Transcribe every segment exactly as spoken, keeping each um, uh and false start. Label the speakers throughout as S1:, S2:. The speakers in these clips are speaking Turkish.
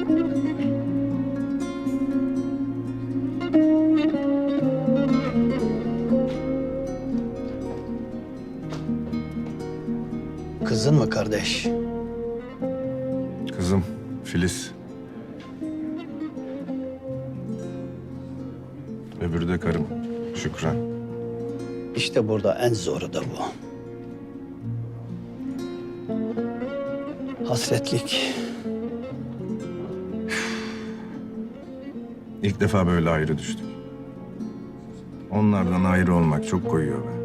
S1: Kızın mı kardeş?
S2: Kızım Filiz. Öbürü de karım Şükran.
S1: İşte burada en zoru da bu. Hasretlik.
S2: İlk defa böyle ayrı düştük. Onlardan ayrı olmak çok koyuyor be.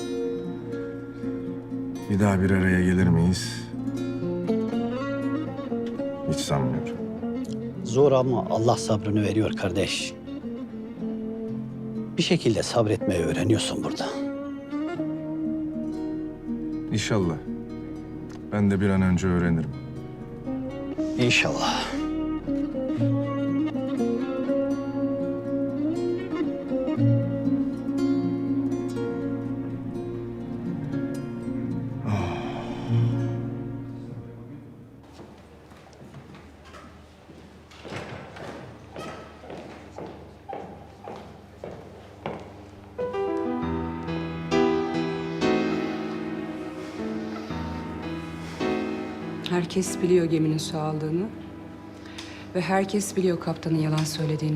S2: Bir daha bir araya gelir miyiz? Hiç sanmıyorum.
S1: Zor ama Allah sabrını veriyor kardeş. Bir şekilde sabretmeyi öğreniyorsun burada.
S2: İnşallah. Ben de bir an önce öğrenirim.
S1: İnşallah.
S3: Herkes biliyor geminin su aldığını. Ve herkes biliyor kaptanın yalan söylediğini.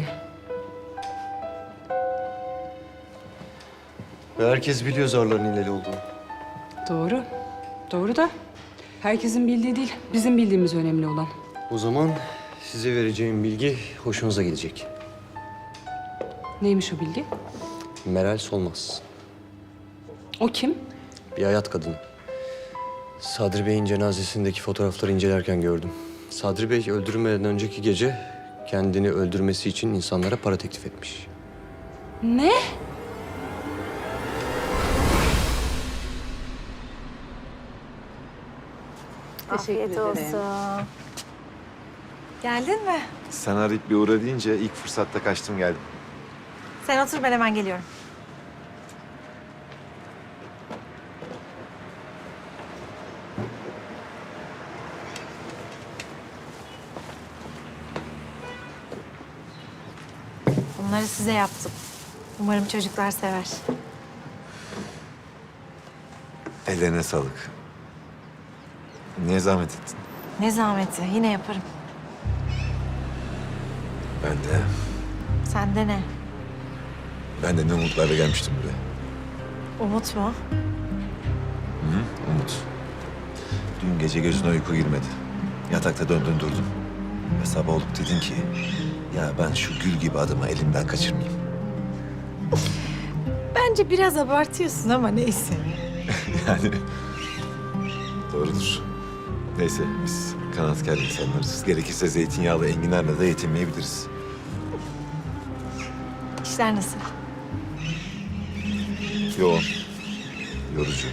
S4: Ve herkes biliyor zarların hileli olduğunu.
S3: Doğru. Doğru da herkesin bildiği değil, bizim bildiğimiz önemli olan.
S4: O zaman size vereceğim bilgi hoşunuza gidecek.
S3: Neymiş o bilgi?
S4: Meral Solmaz.
S3: O kim?
S4: Bir hayat kadını. Sadri Bey'in cenazesindeki fotoğrafları incelerken gördüm. Sadri Bey öldürülmeden önceki gece kendini öldürmesi için insanlara para teklif etmiş.
S3: Ne?
S5: Afiyet olsun. Geldin mi?
S6: Sen arayıp bir uğra deyince ilk fırsatta kaçtım geldim.
S5: Sen otur, ben hemen geliyorum. Bunları size yaptım. Umarım çocuklar sever.
S6: Ellerine sağlık. Niye zahmet ettin?
S5: Ne zahmeti, yine yaparım.
S6: Ben de,
S5: Sende ne?
S6: ben de ne umutlarla gelmiştim buraya.
S5: Umut mu?
S6: Hı, umut. Dün gece gözüne uyku girmedi. Yatakta döndün durdun. Ve sabah olup dedin ki, ya ben şu gül gibi adımı elimden kaçırmayayım.
S5: Bence biraz abartıyorsun ama neyse.
S6: Yani doğrudur. Neyse biz kanaatkar insanlarız. Gerekirse zeytinyağlı enginarla da yetinmeyebiliriz.
S5: İşler nasıl?
S6: Yoğun, yorucu.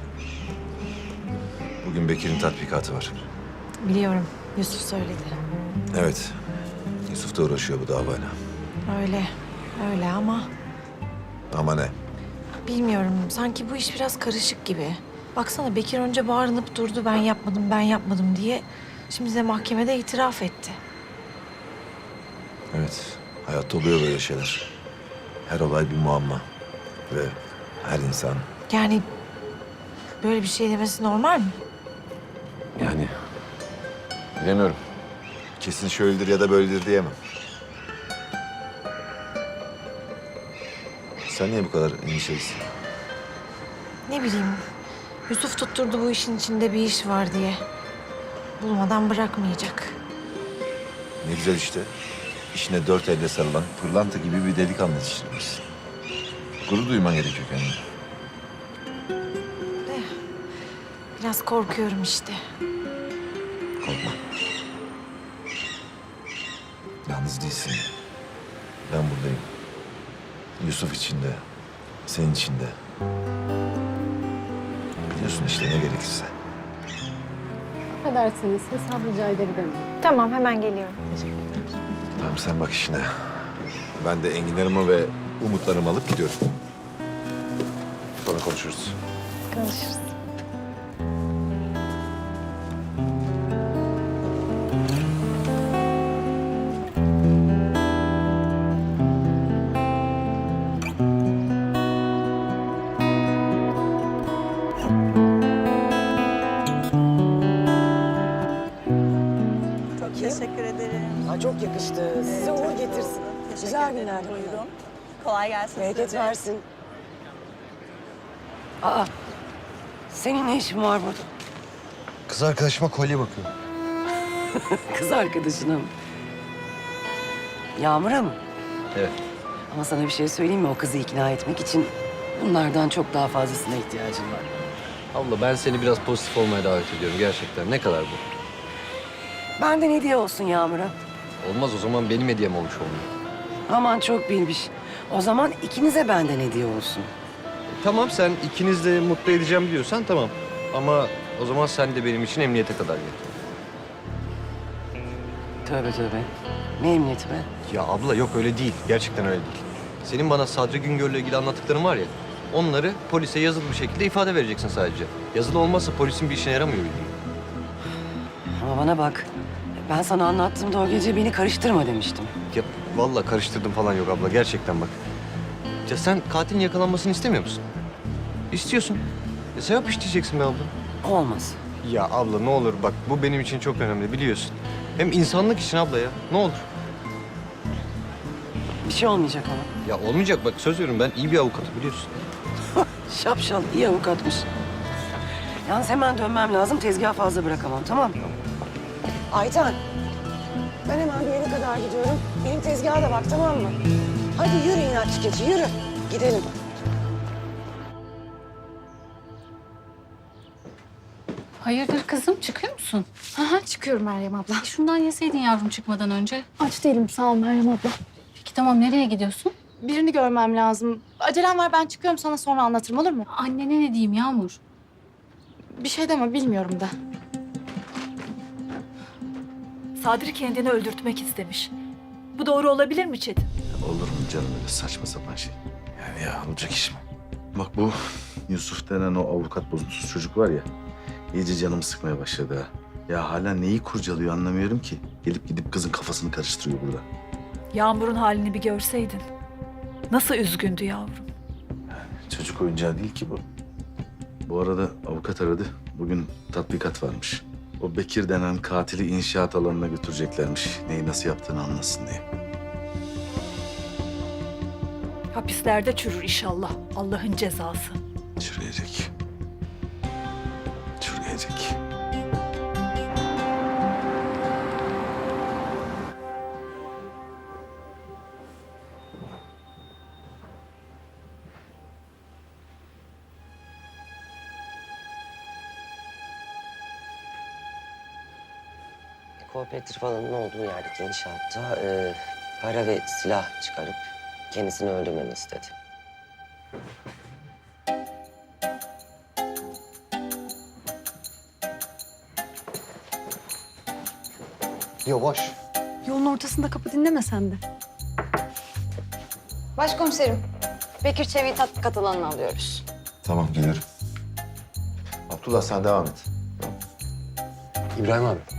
S6: Bugün Bekir'in tatbikatı var.
S5: Biliyorum, Yusuf söyledi.
S6: Evet, Yusuf da uğraşıyor bu davayla.
S5: Öyle, öyle ama
S6: Ama ne?
S5: bilmiyorum. Sanki bu iş biraz karışık gibi. Baksana Bekir önce bağırınıp durdu ben yapmadım, ben yapmadım diye. Şimdi de mahkemede itiraf etti.
S6: Evet, hayatta oluyor böyle şeyler. Her olay bir muamma. Ve her insan
S5: Yani böyle bir şey demesi normal mi?
S6: yani... Bilemiyorum. Kesin şöyledir ya da böyledir diyemem. Sen niye bu kadar endişelisin?
S5: Ne bileyim. Yusuf tutturdu bu işin içinde bir iş var diye. Bulmadan bırakmayacak.
S6: Ne güzel işte. İşine dört elle sarılan pırlanta gibi bir delikanlı yetiştirmişsin. Gurur duyman gerekiyor kendine.
S5: De, biraz korkuyorum işte.
S6: Korkma. Yalnız değilsin. Ben buradayım. Yusuf için de, senin için de. Biliyorsun işte ne gerekirse.
S7: Affedersiniz, hesap rica edebilir miyim?
S5: Tamam, hemen geliyorum.
S6: Tamam sen bak işine. Ben de enginlerimi ve umutlarımı alıp gidiyorum. Sonra konuşuruz.
S7: Görüşürüz.
S8: bakayım.
S9: Teşekkür ederim.
S8: Aa, çok yakıştı. Size uğur getirsin.
S9: Teşekkür
S8: Güzel
S9: ederim.
S8: günler.
S9: Buyurun. Kolay gelsin
S8: Bereket
S9: size.
S8: versin. Aa, senin ne işin var burada?
S4: Kız arkadaşıma kolye bakıyor.
S8: Kız arkadaşına mı? Yağmur'a mı?
S4: Evet.
S8: Ama sana bir şey söyleyeyim mi? O kızı ikna etmek için bunlardan çok daha fazlasına ihtiyacın var.
S4: Abla ben seni biraz pozitif olmaya davet ediyorum gerçekten. Ne kadar bu?
S8: Benden hediye olsun Yağmur'a.
S4: Olmaz o zaman benim hediyem olmuş olmuyor.
S8: Aman çok bilmiş. O zaman ikinize benden hediye olsun.
S4: Tamam sen ikiniz de mutlu edeceğim diyorsan tamam. Ama o zaman sen de benim için emniyete kadar gel.
S8: Tövbe tövbe. Ne emniyeti be?
S4: Ya abla yok öyle değil. Gerçekten öyle değil. Senin bana Sadri Güngör'le ilgili anlattıkların var ya. Onları polise yazılı bir şekilde ifade vereceksin sadece. Yazılı olmazsa polisin bir işine yaramıyor bildiğin.
S8: Ama bana bak. Ben sana anlattığımda o gece beni karıştırma demiştim.
S4: Ya vallahi karıştırdım falan yok abla gerçekten bak. Ya sen katilin yakalanmasını istemiyor musun? İstiyorsun. Ya sevap işleyeceksin be abla.
S8: Olmaz.
S4: Ya abla ne olur bak bu benim için çok önemli biliyorsun. Hem insanlık için abla ya ne olur.
S8: Bir şey olmayacak ama.
S4: Ya olmayacak bak söz veriyorum ben iyi bir avukatım biliyorsun.
S8: Şapşal, iyi avukatmış. Yalnız hemen dönmem lazım. Tezgahı fazla bırakamam, tamam mı? Ayten, ben hemen bir yere kadar gidiyorum. Benim tezgaha da bak, tamam mı? Hadi yürü inatçı keçi, yürü. Gidelim.
S10: Hayırdır kızım çıkıyor musun?
S7: Aha, çıkıyorum Meryem abla.
S10: Şundan yeseydin yavrum çıkmadan önce.
S7: Aç değilim, sağ ol Meryem abla.
S10: Peki tamam nereye gidiyorsun?
S7: Birini görmem lazım. Acelem var, ben çıkıyorum, sana sonra anlatırım, olur mu?
S10: Annene ne diyeyim Yağmur?
S7: Bir şey deme, bilmiyorum da.
S9: Sadri kendini öldürtmek istemiş. Bu doğru olabilir mi Çetin?
S6: Olur mu canım öyle saçma sapan şey? Yani ya olacak iş mi? Bak bu Yusuf denen o avukat bozuntusuz çocuk var ya... iyice canımı sıkmaya başladı ha. Ya hala neyi kurcalıyor anlamıyorum ki. Gelip gidip kızın kafasını karıştırıyor burada.
S9: Yağmur'un halini bir görseydin. Nasıl üzgündü yavrum.
S6: Çocuk oyuncağı değil ki bu. Bu arada avukat aradı. Bugün tatbikat varmış. O Bekir denen katili inşaat alanına götüreceklermiş. Neyi nasıl yaptığını anlasın diye.
S9: Hapislerde çürür inşallah. Allah'ın cezası.
S6: Çürüyecek. Çürüyecek.
S8: Kooperatif alanının olduğu yerdeki inşaatta e, para ve silah çıkarıp kendisini öldürmemi istedi.
S4: Yavaş.
S7: Yolun ortasında kapı dinleme sen de.
S11: Başkomiserim, Bekir Çevik'i tatbikat alanına alıyoruz.
S6: Tamam gelirim. Abdullah sen devam et.
S4: İbrahim abi